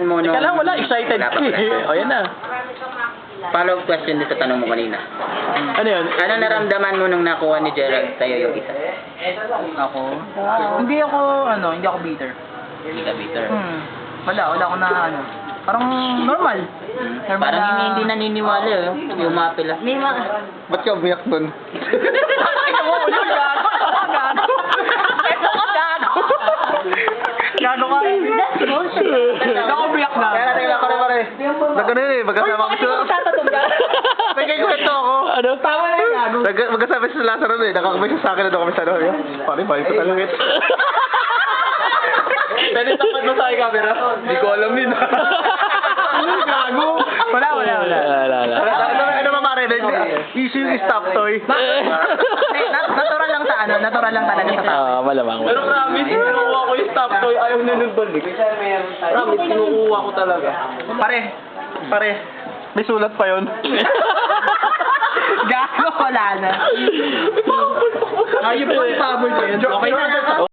naramdaman mo nung... Teka lang, wala. Excited Wala pa ka pala. eh. O, yan na. Follow-up question dito tanong mo kanina. Ano yun? Ano naramdaman mo nung nakuha ni Gerald sa'yo yung isa? Ako? Hindi ako bitter. Hindi ka bitter. Wala ako na parang normal. Normal Parang na- hindi naniniwala eh. Yung mga pila. May mga... Ba't ka umiyak dun? Ito mo, ulo, gago. Gago. Ito ka, gago. Gago ka. That's bullshit. Nakabiyak na. Kaya natin lang pare. Nagano yun eh, magkasama ko sa... Nagkikwento ako. Ano? Tama na yung gago. Magkasama sa Lazaro eh, nakakabay sa akin na doon kami sa ano. Pare, balik ko talaga ito. Pwede tapat mo sa aking camera? Hindi ko alam yun. Gago. Wala. Ano ba pare? Issue yung stop toy. Natural lang sa natural lang talaga sa tao. Malamang. Pero promise, kinukuha ko yung stop toy. Ayaw na nung balik. Promise, kinukuha ko talaga. Pare, may sulat pa yun. Gago, wala na. Ayun po, pabol ko yun. Okay na.